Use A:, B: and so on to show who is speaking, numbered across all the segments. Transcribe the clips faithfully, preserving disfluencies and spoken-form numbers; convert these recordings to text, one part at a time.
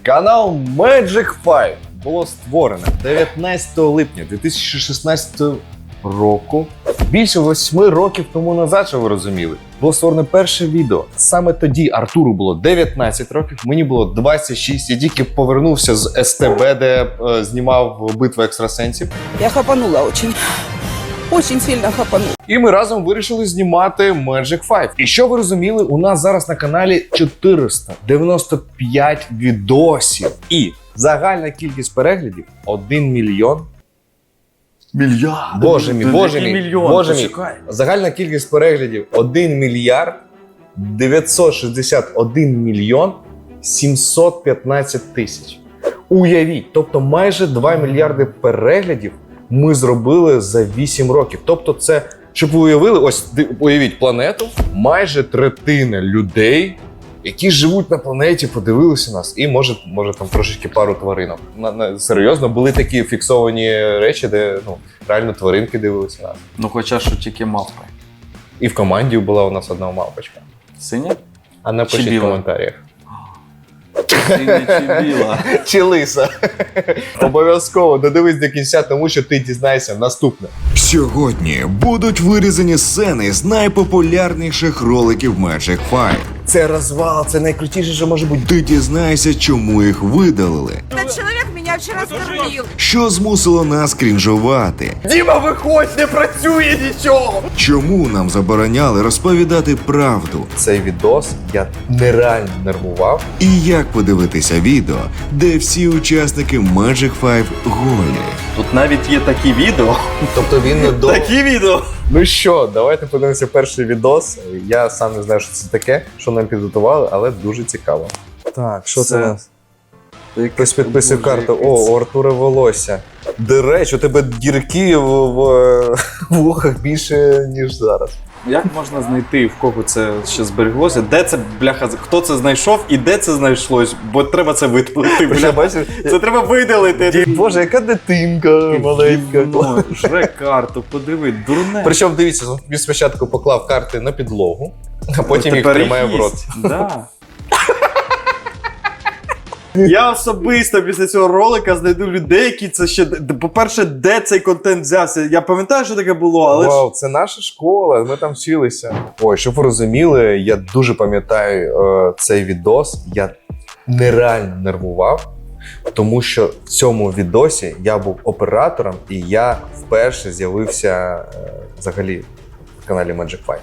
A: Канал Magic п'ять було створено дев'ятнадцятого липня дві тисячі шістнадцятого року. Більше восьми років тому назад, що ви розуміли, було створено перше відео. Саме тоді Артуру було дев'ятнадцять років, мені було двадцять шість. Я тільки повернувся з ес те бе, де е, знімав битву екстрасенсів.
B: Я хапанула очень. Очень сильно хапанула.
A: І ми разом вирішили знімати Magic п'ять. І що ви розуміли, у нас зараз на каналі чотириста дев'яносто п'ять відосів. І загальна кількість переглядів один мільйон.
C: Мільярд.
A: Боже мій, боже мій,
C: мільйон?
A: боже мій.
C: Почекай.
A: Загальна кількість переглядів один мільярд дев'ятсот шістдесят один мільйон сімсот п'ятнадцять тисяч. Уявіть, тобто майже два мільярди переглядів ми зробили за вісім років. Тобто це, щоб ви уявили, ось уявіть планету, майже третина людей, які живуть на планеті, подивилися нас. І може, може там трошечки пару тваринок. На, на, серйозно, були такі фіксовані речі, де ну, реально тваринки дивилися нас.
C: Ну хоча що тільки мавпи.
A: І в команді була у нас одна мавпочка.
C: Синя?
A: А напишіть
C: Чи
A: в
C: біла?
A: коментарях.
C: Синя чи біла?
A: Чи лиса. Обов'язково додивись до кінця, тому що ти дізнаєшся наступне.
D: Сьогодні будуть вирізані сцени з найпопулярніших роликів Magic п'ять.
A: Це розвал, це найкрутіше, що може бути.
D: Ти дізнаєшся, чому їх видалили,
B: Этот человек меня вчера скормил.
D: що змусило нас крінжувати,
A: Діма, виходь, не працює нічого!
D: чому нам забороняли розповідати правду,
A: Цей відос я нереально нервував.
D: і як подивитися відео, де всі учасники Magic п'ять голі.
C: Тут навіть є такі відео.
A: Тобто він не до...
C: Такі відео.
A: Ну що, давайте подивимося перший відос. Я сам не знаю, що це таке, що нам підготували, але дуже цікаво. Так, що це,
C: Це-
A: у нас? Хтось підписав карту. О, у Артура волосся. До речі, у тебе дірки в, в, в вухах більше, ніж зараз.
C: Як можна знайти, в кого це ще збереглося? Де це, бляха, хто це знайшов і де це знайшлось? Бо треба це видалити,
A: Бля,
C: бля.
A: бачиш?
C: Це треба видалити.
A: Боже, яка дитинка маленька.
C: Гівно, жре карту, подиви, дурне.
A: Причому, дивіться, він спочатку поклав карти на підлогу, а потім їх
C: Тепер
A: тримає в рот.
C: їсть. Да. Я особисто після цього ролика знайду людей, які це ще... По-перше, де цей контент взявся? Я пам'ятаю, що таке було, але ж...
A: Вау, це наша школа, ми там вчилися. Ой, щоб ви розуміли, я дуже пам'ятаю е, цей відос. Я нереально нервував, тому що в цьому відосі я був оператором і я вперше з'явився е, взагалі в каналі Magic п'ять.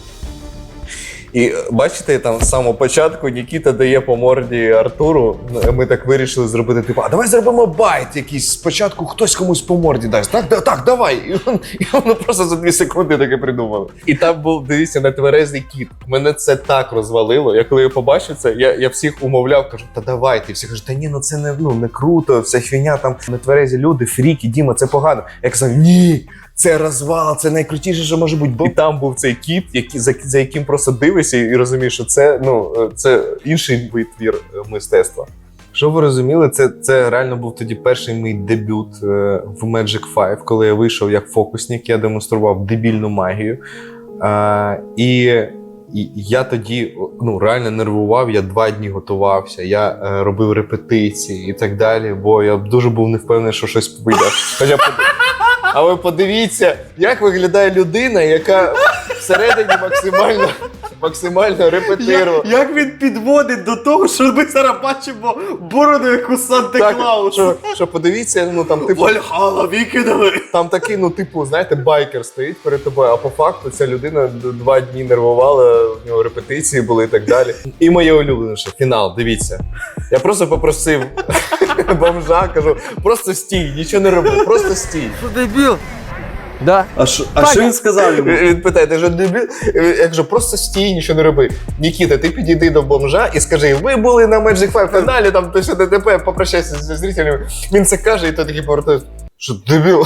A: І е, бачите, там з самого початку Нікіта дає по морді Артуру. Ми так вирішили зробити, типу, а давай зробимо байт якийсь. Спочатку хтось комусь по морді дасть. Так, да, так, давай. І, он, і воно просто за дві секунди таке придумали. І там був, дивіться, нетверезий кіт. Мене це так розвалило. Я коли я побачив це, я, я всіх умовляв, кажу, та давайте. І всі кажуть, та ні, ну це не, ну, не круто, вся фігня, там нетверезі люди, фріки, Діма, це погано. Я казав, ні. Це розвал, це найкрутіше, що може бути. І там був цей кіт, який, за, за яким просто дивишся і розумієш, що це, ну, це інший витвір мистецтва. Щоб ви розуміли, це, це реально був тоді перший мій дебют е, в Magic п'ять, коли я вийшов як фокусник, я демонстрував дебільну магію. Е, і, і я тоді ну, реально нервував, я два дні готувався, я е, робив репетиції і так далі, бо я дуже був не впевнений, що щось вийде. Хоча А ви подивіться, як виглядає людина, яка всередині максимально, максимально репетирувала.
C: Як він підводить до того, що ми зараз бачимо бороду, як у Санта-Клауса.
A: що, що подивіться, ну там типу,
C: Вальхала, викинули.
A: там такий, ну типу, знаєте, байкер стоїть перед тобою, а по факту ця людина д- два дні нервувала, в нього репетиції були і так далі. І моє улюбленіше, фінал, дивіться. Я просто попросив бомжа, кажу, просто стій, нічого не роби, просто стій.
B: Дебил. Да.
C: А що, а що він сказав йому?
A: Він питає, ти ж дебіл? Я кажу, просто стій, нічого не роби. Нікіта, ти підійди до бомжа і скажи, ви були на Magic п'ять фіналі, там то що ДТП, попрощайся зі зрителями. Він це каже, і той такий повертає, що дебіл?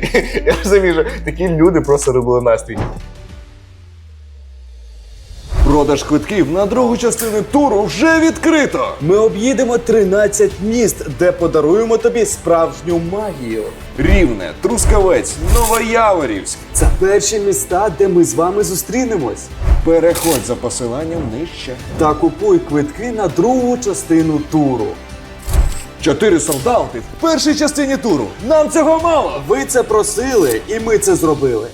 A: Я розумію, що такі люди просто робили настрій.
D: Продаж квитків на другу частину туру вже відкрито.
E: Ми об'їдемо тринадцять міст, де подаруємо тобі справжню магію.
D: Рівне, Трускавець, Новояворівськ.
E: Це перші міста, де ми з вами зустрінемось.
D: Переходь за посиланням нижче.
E: Та купуй квитки на другу частину туру.
D: Чотири солдати в першій частині туру. Нам цього мало.
E: Ви це просили, і ми це зробили.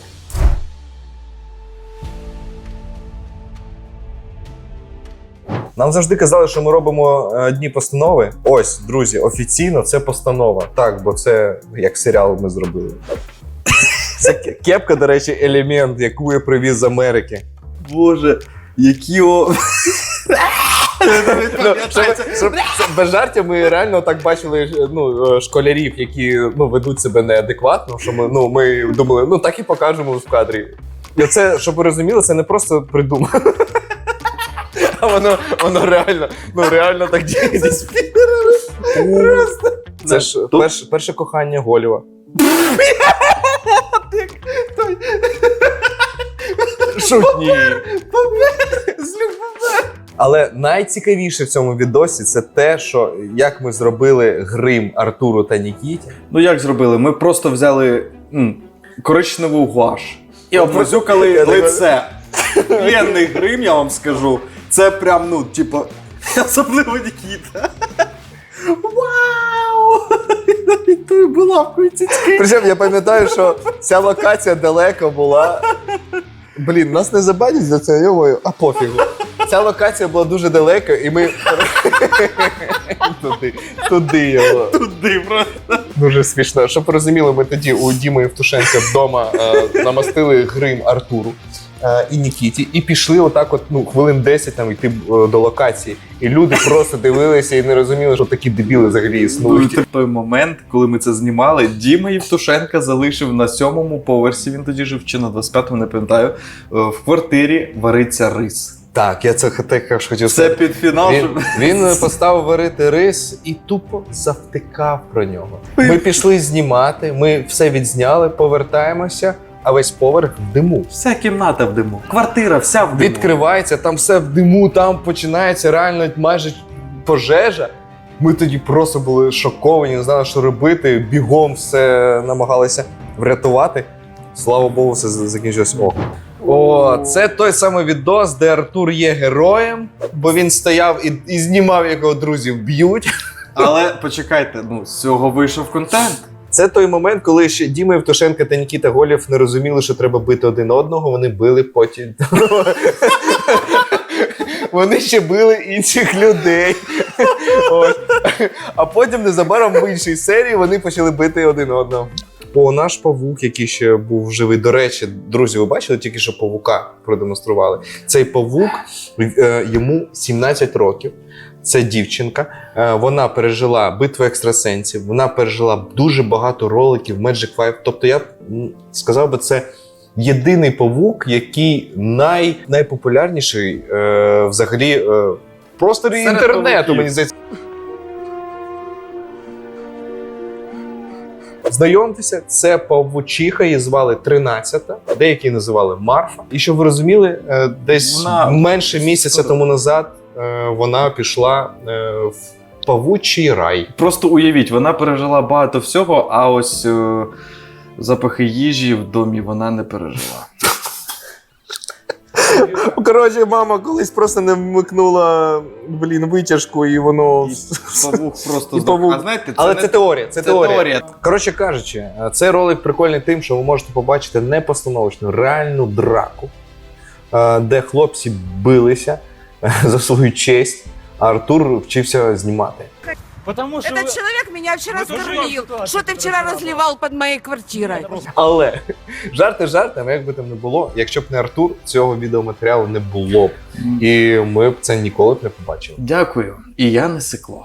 A: Нам завжди казали, що ми робимо е, дні постанови. Ось, друзі, офіційно це постанова. Так, бо це як серіал ми зробили. Це ке- кепка, до речі, елемент, яку я привіз з Америки.
C: Боже, які о...
A: Ну, щоб, щоб, щоб без жартів ми реально так бачили ну, е, школярів, які ну, ведуть себе неадекватно, що ми, ну, ми думали, ну так і покажемо в кадрі. І це, щоб ви розуміли, це не просто придумано. А воно, воно реально, ну реально так діє. Це ж перше, перше кохання Голіва. Шутні. Але найцікавіше в цьому відосі це те, що як ми зробили грим Артуру та Нікіті.
C: Ну як зробили? Ми просто взяли м, коричневу гуаш і обмазюкали
A: Я думаю-
C: лице. Ленний грим, я вам скажу. Це прям, ну, типу, особливо Нікіта. Вау! Навіть тою булавкою цицьки.
A: Причому я пам'ятаю, що ця локація далеко була. Блін, нас не забанять за це, йомою, а пофігу. Ця локація була дуже далеко, і ми туди, туди його.
C: Туди просто.
A: Дуже смішно. Щоб ви розуміли, ми тоді у Діми Євтушенка вдома е, намастили грим Артуру е, і Нікіті, і пішли отак от, ну, хвилин десять там йти е, до локації. І люди просто дивилися і не розуміли, що такі дебіли взагалі існують.
C: В той момент, коли ми це знімали, Діма Євтушенка залишив на сьомому поверсі, він тоді жив чи на двадцять п'ятому, не пам'ятаю, е, в квартирі вариться рис.
A: Так, я це також хотів
C: Це
A: сказати.
C: під фінал.
A: Він,
C: щоб-
A: він поставив варити рис і тупо завтикав про нього. Ми пішли знімати, ми все відзняли, повертаємося, а весь поверх в диму.
C: Вся кімната в диму. Квартира вся в диму.
A: Відкривається, там все в диму, там починається реально майже пожежа. Ми тоді просто були шоковані, не знали, що робити, бігом все намагалися врятувати. Слава Богу, все з- закінчилось ок. О, це той самий відос, де Артур є героєм, бо він стояв і, і знімав, як його друзів б'ють.
C: Але почекайте, ну з цього вийшов контент.
A: Це той момент, коли ще Діма Євтушенко та Нікіта Голєв не розуміли, що треба бити один одного, вони били потім. Вони ще били інших людей. Ось. А потім незабаром в іншій серії вони почали бити один одного. О, наш павук, який ще був живий. До речі, друзі, ви бачили тільки що павука продемонстрували. Цей павук, е, йому сімнадцять років. Це дівчинка. Е, Вона пережила битву екстрасенсів, вона пережила дуже багато роликів Magic Five. Тобто я б м, сказав би, це єдиний павук, який най, найпопулярніший е, взагалі е, в просторі
C: Серед
A: інтернету,
C: павуків.
A: мені здається. Знайомтеся, це павучиха, її звали тринадцята, деякі називали Марфа. І щоб ви розуміли, е, десь
C: Вона-
A: менше місяця тому назад е, вона пішла е, в павучий рай.
C: Просто уявіть, вона пережила багато всього, а ось е, запахи їжі в домі вона не пережила.
A: Коротше, мама колись просто не вмикнула, блін, витяжку, і воно.
C: І павук просто
A: І
C: здох.
A: павук.
C: А знаєте, це
A: Але
C: не...
A: це теорія, це,
C: це
A: теорія.
C: теорія.
A: Коротше кажучи, цей ролик прикольний тим, що ви можете побачити непостановочну, реальну драку, е, де хлопці билися е, за свою честь, а Артур вчився знімати.
F: Потому что
B: Этот человек меня вчера
F: Мы тоже
B: скормил.
F: ситуацию
B: Что ты вчера разливал под моей квартирой?
A: Але жарти жартами, як би там не було, якщо б не Артур, цього відеоматеріалу не було б. І ми б це ніколи б не побачили.
C: Дякую. І я не сикло.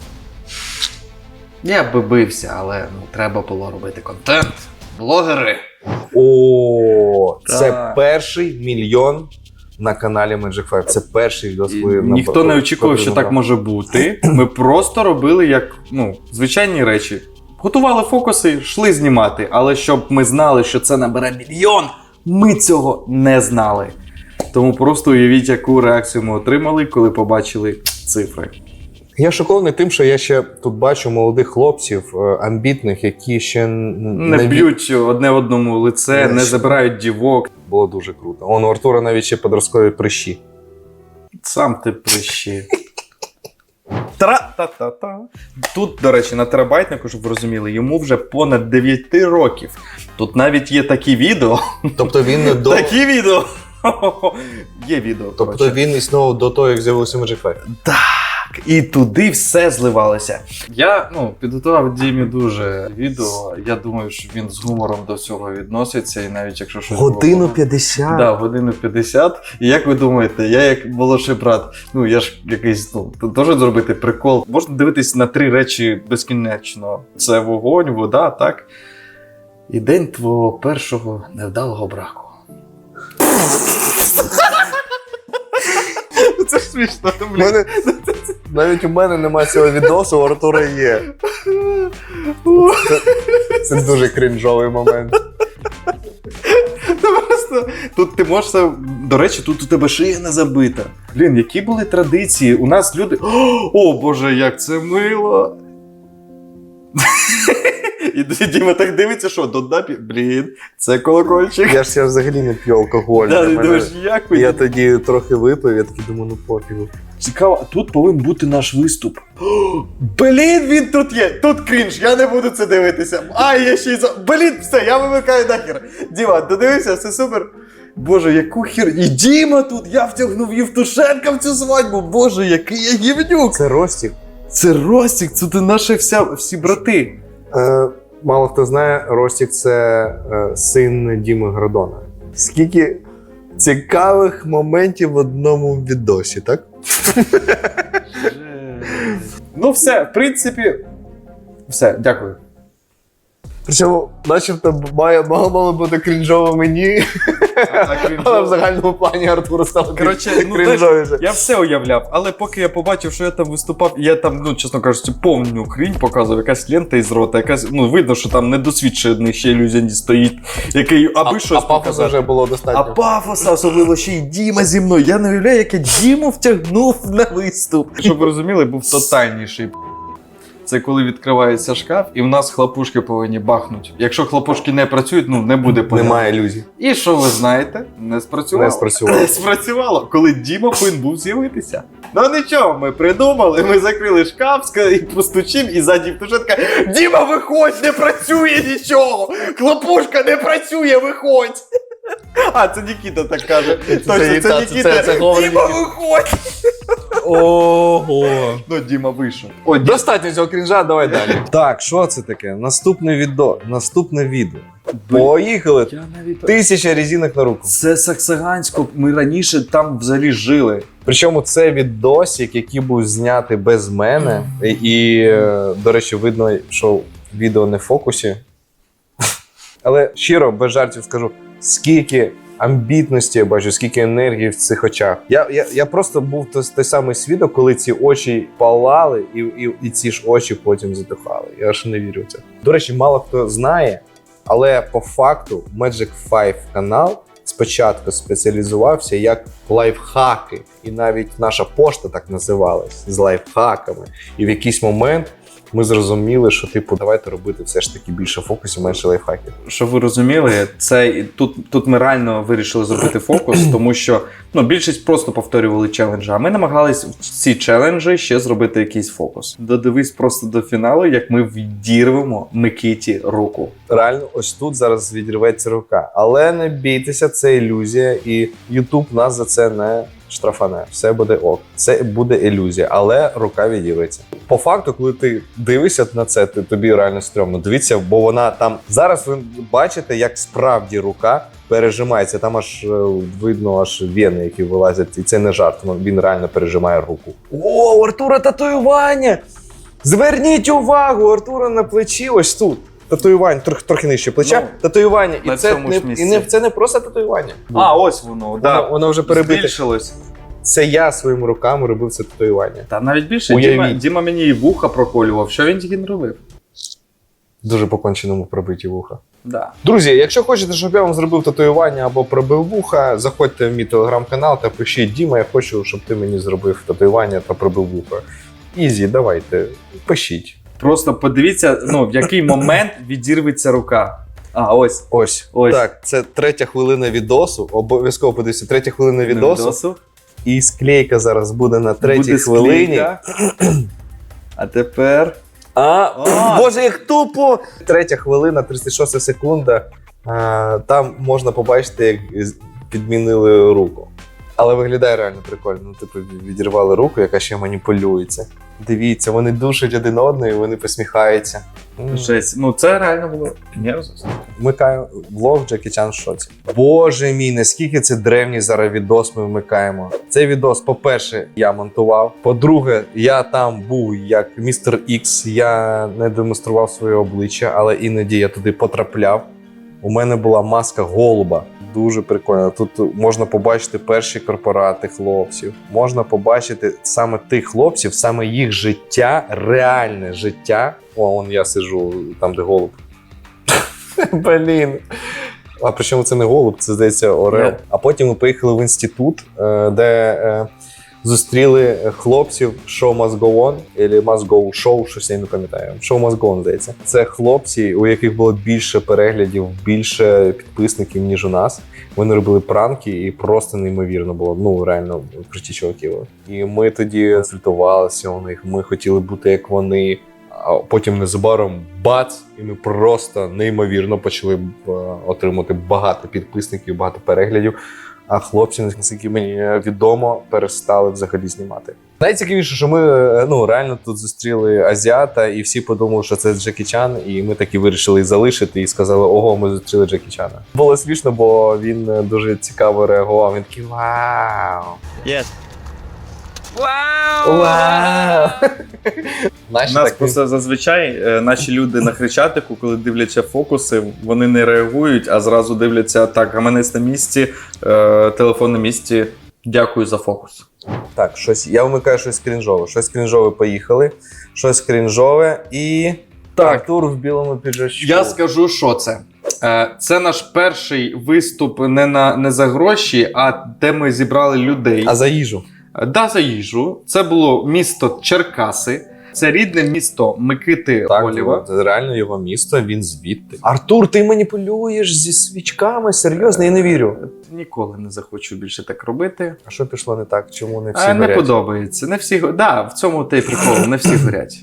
C: Я би бився, але ну, треба було робити контент. Блогери.
A: О, це
C: Так.
A: перший мільйон на каналі Magic Five. Це перший відос.
C: І
A: коли нам
C: ніхто не очікував, що
A: потрібно.
C: так може бути. Ми просто робили як ну, звичайні речі. Готували фокуси, йшли знімати. Але щоб ми знали, що це набере мільйон, ми цього не знали. Тому просто уявіть, яку реакцію ми отримали, коли побачили цифри.
A: Я шокований тим, що я ще тут бачу молодих хлопців, е, амбітних, які ще н-
C: Не
A: ві-
C: б'ють одне одному лице, не забирають дівок.
A: Було дуже круто. Он у Артура навіть ще подросткові прищі.
C: Сам ти прищі. Тра-та-та-та. Тут, до речі, на терабайтнику, щоб ви розуміли, йому вже понад дев'ять років. Тут навіть є такі відео.
A: Тобто він не до...
C: Такі відео. Є відео.
A: Тобто
C: коротше.
A: він існував до того, як з'явився Magic Five.
C: І туди все зливалося. Я ну, підготував Дімі дуже відео. Я думаю, що він з гумором до всього відноситься. І навіть якщо щось
A: Годину
C: було-
A: п'ятдесят.
C: Да, годину п'ятдесят. І як ви думаєте, я як молодший брат, ну я ж якийсь, ну, теж зробити прикол. Можна дивитись на три речі безкінечно. Це вогонь, вода, так? І день твого першого невдалого браку. Це ж смішно,
A: У мене... Навіть у мене немає цього відосу, у Артура є. Це, це дуже крінжовий момент.
C: Та просто тут ти можеш це. До речі, тут у тебе шия не забита. Блін, які були традиції? У нас люди. О, Боже, як це мило! І Діма так дивиться, що до дапі. Блін, це колокольчик.
A: Я ж я взагалі не п'ю алкоголь.
C: Да,
A: Для
C: ти
A: мене-
C: думаєш, як ви?
A: Я тоді трохи випив, я такий думаю, ну пофігу.
C: Цікаво, а тут повинен бути наш виступ. О, блін, він тут є. Тут крінж, я не буду це дивитися. А, я ще й за. Блін, все, я вимикаю нахер. Діма, додивився, все супер. Боже, яку хір. І Діма тут, я втягнув Євтушенка в цю свадьбу. Боже, який я гівнюк.
A: Це Ростік.
C: Це Ростік, це ти наші вся, всі брати.
A: Е, мало хто знає, Ростік це е, син Діми Гордона. Скільки цікавих моментів в одному відосі, так?
C: Ну все, в принципі, все, дякую.
A: Причому, начебто, має, мало, мало бути крінжово мені, але в загальному плані Артуру стало
C: Коротше, ну,
A: крінжовіше.
C: Я все уявляв, але поки я побачив, що я там виступав, я там, ну, чесно кажучи, повну хрінь показував, якась лента із рота, якась, ну, видно, що там недосвідчений ще ілюзіоніст стоїть, який аби
A: А,
C: щось
A: а пафосу
C: показати.
A: вже було
C: А
A: достатньо.
C: пафоса, особливо ще й Діма зі мною. Я не уявляю, як я Діму втягнув на виступ. Щоб ви розуміли, був тотальніший. Це коли відкривається шкаф, і в нас хлопушки повинні бахнути. Якщо хлопушки не працюють, ну не буде порядку.
A: Немає ілюзій.
C: І що ви знаєте? Не спрацювало.
A: Не спрацювало.
C: Не спрацювало, коли Діма повинен був з'явитися. Ну нічого, ми придумали, ми закрили шкаф, ска- і постучим, і ззаді Євтушенка: Діма, виходь, не працює нічого! Хлопушка не працює, виходь! А, це Нікіта так каже. Точно, це,
A: та,
C: Нікіта.
A: це- це говорить
C: Діма,
A: Нікіта.
C: виходь!
A: Ого.
C: Ну, Діма вийшов. О, Діма.
A: Достатньо цього крінжа, давай далі. Так, що це таке? Наступне відео. Наступне відео. Поїхали.
C: Я навіть...
A: Тисяча резинок на руку.
C: Це Саксагансько, ми раніше там взагалі жили.
A: Причому це відосик, який був знятий без мене. І, і, е, до речі, видно, що відео не в фокусі. Але щиро, без жартів скажу, скільки амбітності я бачу, скільки енергії в цих очах. Я, я, я просто був той, той самий свідок, коли ці очі палали, і, і, і ці ж очі потім затухали. Я аж не вірю в це. До речі, мало хто знає, але по факту Magic Five канал спочатку спеціалізувався як лайфхаки. І навіть наша пошта так називалась, з лайфхаками. І в якийсь момент ми зрозуміли, що типу, давайте робити все ж таки більше фокусів, менше лайфхаків.
C: Щоб ви розуміли, це тут, тут ми реально вирішили зробити фокус, тому що ну, більшість просто повторювали челенджі, а ми намагались в ці челенджі ще зробити якийсь фокус. Додивись просто до фіналу, як ми відірвемо Микиті руку.
A: Реально, ось тут зараз відірветься рука. Але не бійтеся, це ілюзія, і YouTube нас за це не штрафане. Все буде ок. Це буде ілюзія, але рука відірветься. По факту, коли ти дивишся на це, ти, тобі реально стрьомно. Дивіться, бо вона там... Зараз ви бачите, як справді рука пережимається. Там аж е, видно аж вени, які вилазять. І це не жарт, він реально пережимає руку. О, у Артура татуювання! Зверніть увагу, у Артура на плечі ось тут. Татуювання, трохи, трохи нижче плеча,
C: Ну,
A: татуювання.
C: на
A: І це
C: цьому
A: не,
C: ж місці.
A: і не, це не просто татуювання.
C: А, ось воно,
A: Воно,
C: да.
A: воно вже перебите.
C: Збільшилось.
A: Це я своїми руками робив це татуювання.
C: Та навіть більше,
A: Уявіть.
C: Діма, Діма мені і вуха проколював. Що він тільки не робив?
A: дуже по-конченому пробиті вуха.
C: Да.
A: Друзі, якщо хочете, щоб я вам зробив татуювання або пробив вуха, заходьте в мій телеграм-канал та пишіть: Діма, я хочу, щоб ти мені зробив татуювання та пробив вуха. Ізі, давайте, пишіть.
C: Просто подивіться, ну, в який момент відірветься рука. А, ось.
A: Ось.
C: Ось.
A: Так, це третя хвилина відосу. Обов'язково подивіться, третя хвилина відосу.
C: Відосу.
A: І склейка зараз буде на третій
C: Буде
A: хвилині.
C: склейка. А тепер.
A: А,
C: А.
A: Боже, як тупо! Третя хвилина, тридцять шоста секунда. А, там можна побачити, як з- підмінили руку. Але виглядає реально прикольно. Ну, типу, відірвали руку, яка ще маніпулюється. Дивіться, вони душать один одного, і вони посміхаються. М.
C: Жесть. Ну, це реально було мерзость.
A: Вмикаю влог Джекі Чан в шоці. Боже мій, наскільки це древній зараз відос ми вмикаємо. Цей відос, по-перше, я монтував. По-друге, я там був як містер Ікс, я не демонстрував своє обличчя, але іноді я туди потрапляв. У мене була маска голуба. Дуже прикольно. Тут можна побачити перші корпорати хлопців. Можна побачити саме тих хлопців, саме їх життя, реальне життя. О, вон я сиджу там, де голуб. Блін. А причому це не голуб, це здається орел.
C: Yeah.
A: А потім ми поїхали в інститут, е, де е, зустріли хлопців Show Must Go On, або Must Go Show, щось я не пам'ятаю. Show Must Go On, здається. Це хлопці, у яких було більше переглядів, більше підписників, ніж у нас. Вони робили пранки і просто неймовірно було. Ну, реально, круті чуваки були. І ми тоді консультувалися у них, ми хотіли бути як вони. А потім незабаром бац, і ми просто неймовірно почали е, отримати багато підписників, багато переглядів. А хлопці, наскільки мені відомо, перестали взагалі знімати. Найцікавіше, що ми е, ну, реально тут зустріли азіата, і всі подумали, що це Джекі Чан, і ми таки вирішили їх залишити і сказали: ого, ми зустріли Джекі Чана. Було смішно, бо він е, дуже цікаво реагував. Він такий: вау!
F: Yes.
A: Вау! Наші
C: У нас
A: такі-
C: просто зазвичай е, наші люди на Хрещатику, коли дивляться фокуси, вони не реагують, а зразу дивляться: так, гаманець на місці, е, телефон на місці, дякую за фокус.
A: Так, щось, я вмикаю щось крінжове. Щось крінжове поїхали. Щось крінжове і.
C: Так.
A: Артур в білому піджачку.
C: Я скажу, що це. Е, Це наш перший виступ не, на, не за гроші, а де ми зібрали людей.
A: А за їжу.
C: Да, за їжу. Це було місто Черкаси. Це рідне місто Микити
A: Так,
C: Голєва.
A: це реально його місто, він звідти. Артур, ти маніпулюєш зі свічками? Серйозно, я не вірю.
C: Ніколи не захочу більше так робити.
A: А що пішло не так? Чому не всі
C: А, не
A: горять?
C: подобається. Не всі го- да, в цьому та й прикол, не всі горять.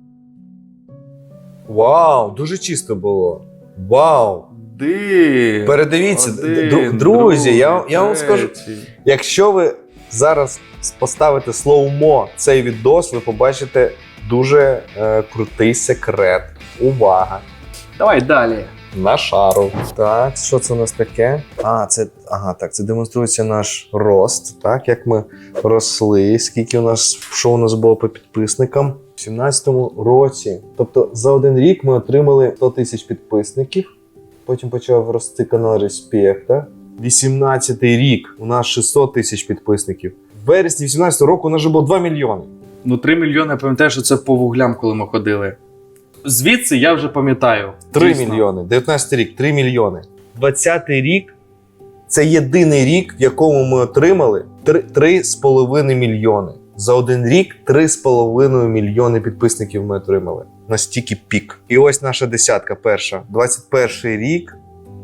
A: Вау, дуже чисто було. Вау.
C: Один.
A: Передивіться,
C: один,
A: дру- друзі, я,
C: другий,
A: я вам скажу,
C: третій.
A: якщо ви зараз поставите слоумо цей відос, ви побачите дуже е, крутий секрет. Увага!
C: Давай далі.
A: На шару. Так, що це у нас таке? А, це ага, так, це демонструється наш рост, так, як ми росли, скільки у нас, що у нас було по підписникам. У сімнадцятому році, тобто за один рік ми отримали сто тисяч підписників, потім почав рости канал Респекта. вісімнадцятий рік у нас шістсот тисяч підписників. В вересні вісімнадцятого року у нас вже було два мільйони.
C: Ну, три мільйони, я пам'ятаю, що це по вуглям, коли ми ходили. Звідси я вже пам'ятаю.
A: три
C: Дійсно.
A: мільйони. дев'ятнадцятий рік, три мільйони. двадцятий рік це єдиний рік, в якому ми отримали три з половиною мільйони. За один рік три з половиною мільйони підписників ми отримали. Настільки пік. І ось наша десятка перша. двадцять перший рік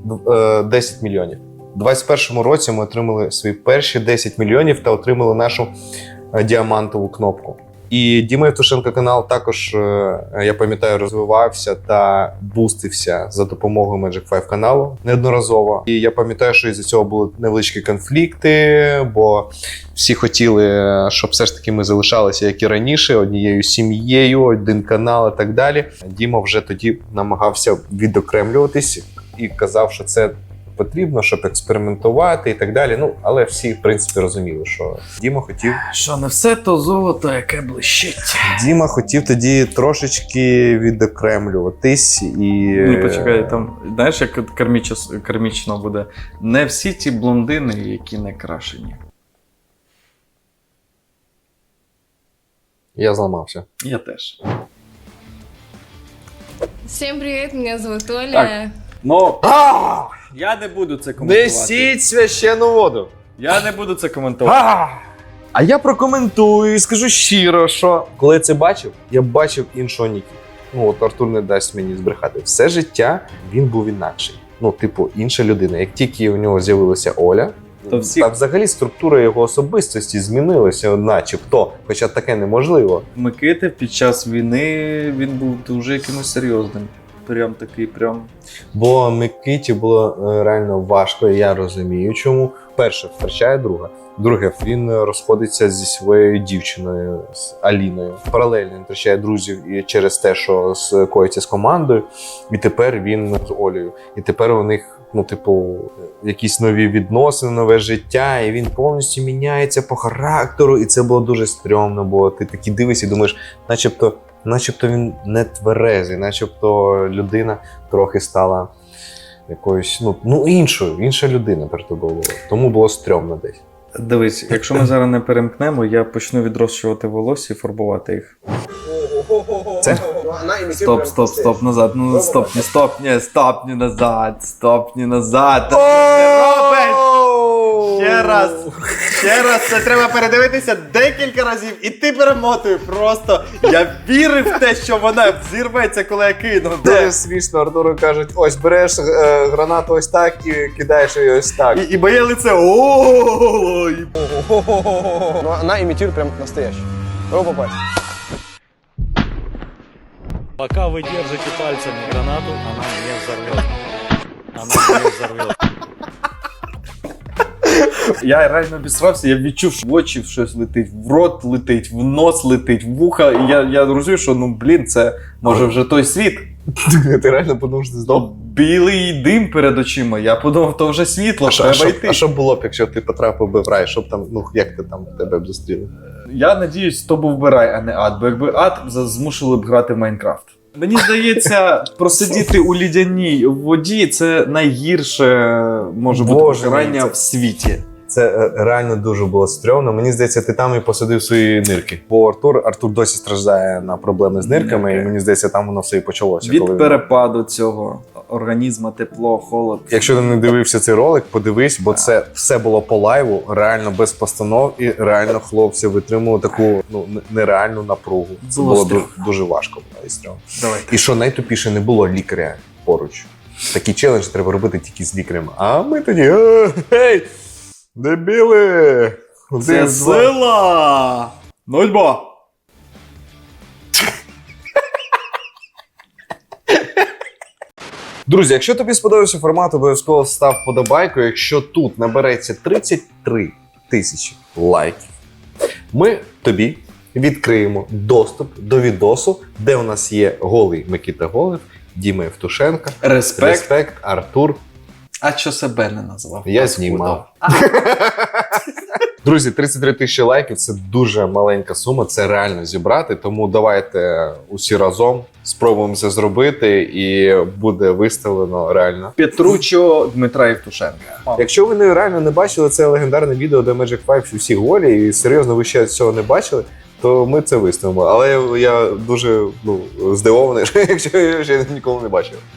A: е, десять мільйонів. У двадцять першому році ми отримали свої перші десять мільйонів та отримали нашу е, діамантову кнопку. І Діма Євтушенко канал також, е, я пам'ятаю, розвивався та бустився за допомогою Magic п'ять каналу неодноразово. І я пам'ятаю, що із-за цього були невеличкі конфлікти, бо всі хотіли, щоб все ж таки ми залишалися, як і раніше, однією сім'єю, один канал і так далі. Діма вже тоді намагався відокремлюватись і казав, що це потрібно, щоб експериментувати і так далі. Ну, але всі, в принципі, розуміли, що Діма хотів.
C: Що не все то золото, яке блищить.
A: Діма хотів тоді трошечки відокремлюватись і.
C: Ну, почекай, там, знаєш, як кармічно, кармічно буде. Не всі ті блондини, які не крашені.
A: Я зламався.
C: Я теж.
F: Всем привет, меня зовут Оля.
C: Так. Ну, я не буду це коментувати.
A: Несіть священну воду.
C: Я не буду це коментувати.
A: А я прокоментую і скажу щиро, що коли я це бачив, я бачив іншого Нікі. Ну от Артур не дасть мені збрехати. Все життя він був інакший. Ну, типу, інша людина. Як тільки у нього з'явилася Оля,
C: То всі-
A: та взагалі структура його особистості змінилася, начебто, хоча таке неможливо.
C: Микита під час війни він був дуже якимось серйозним. Прям такий, прям.
A: Бо Микиті було е, реально важко, і я розумію, чому. Перше, втрачає друга. Друге, він розходиться зі своєю дівчиною, з Аліною. Паралельно він втрачає друзів і через те, що скоїться з командою. І тепер він з Олею. І тепер у них, ну, типу, якісь нові відносини, нове життя, і він повністю міняється по характеру. І це було дуже стрьомно, бо ти такі дивишся і думаєш, начебто. Начебто він не тверезий, начебто людина трохи стала якоюсь, ну, ну іншою, інша людина перед тобою була. Тому було стрьомно десь.
C: Дивись, якщо ми зараз не перемкнемо, я почну відрощувати волосся і фарбувати їх.
A: Це?
C: Стоп, стоп, стоп, назад. Ну стоп, не стоп, ні, стоп, не назад, стоп, не назад. Та що ти робиш? Ще раз, ще раз, це треба передивитися декілька разів, і ти перемотуй просто. Я вірив в те, що вона зірветься, коли я кину.
A: Дуже смішно, Артуру кажуть, ось береш е, гранату ось так і кидаєш її ось так.
C: І, і моє лице. О,
G: Но она имитирует прям настоящий. Пробуй попасть.
H: Пока вы держите пальцами гранату, она не взорвет. Она не взорвет.
C: Я реально обісрався, я відчув, що в очі щось летить, в рот летить, в нос летить, в вуха. І я, я розумію, що ну блін, це може вже той світ.
A: Ти реально подумав, що ти здох?
C: То білий дим перед очима. Я подумав, то вже світло,
A: А що,
C: треба
A: а, що,
C: йти.
A: а що було б, якщо ти потрапив би в рай? Що б там, ну як ти там тебе б зустріли?
C: Я надіюсь, то був би рай, а не ад. Бо якби ад, за- змусили б грати в Майнкрафт. Мені здається, просидіти у лідяній воді це найгірше може бути
A: Боже мій,
C: покарання
A: це-
C: в світі.
A: Це е, реально дуже було стрьомно. Мені здається, ти там і посадив свої нирки. Бо Артур, Артур досі страждає на проблеми з нирками,
C: Нирки.
A: і мені здається, там воно все і почалося.
C: Від
A: коли він-
C: перепаду цього організму, тепло, холод.
A: Якщо ти не дивився цей ролик, подивись, бо це все було по лайву, реально без постанов, і реально хлопці витримували таку ну н- нереальну напругу. Це
C: Було
A: було
C: стрьомно.
A: ду- дуже важко було і стрьомно.
C: Давай.
A: І що найтупіше, не було лікаря поруч. Такий челендж треба робити тільки з лікарем. А ми тоді «Е, гей, дебіли!
C: Це
A: Один, два».
C: сила! Нульбо!
A: Друзі, якщо тобі сподобався формат, обов'язково став вподобайку. Якщо тут набереться тридцять три тисячі лайків, ми тобі відкриємо доступ до відосу, де у нас є голий Микита Голев, Діма Євтушенко,
C: Респект.
A: Респект, Артур.
C: А що себе не назвав?
A: Я
C: Паскуда.
A: знімав. Друзі, тридцять три тисячі лайків – це дуже маленька сума, це реально зібрати, тому давайте усі разом спробуємо це зробити і буде виставлено реально.
C: Петручо Дмитра Євтушенка.
A: Якщо ви не реально не бачили це легендарне відео, де Magic Five усі голі, і серйозно ви ще цього не бачили, то ми це виставимо. Але я дуже ну, здивований, якщо я ще ніколи не бачив.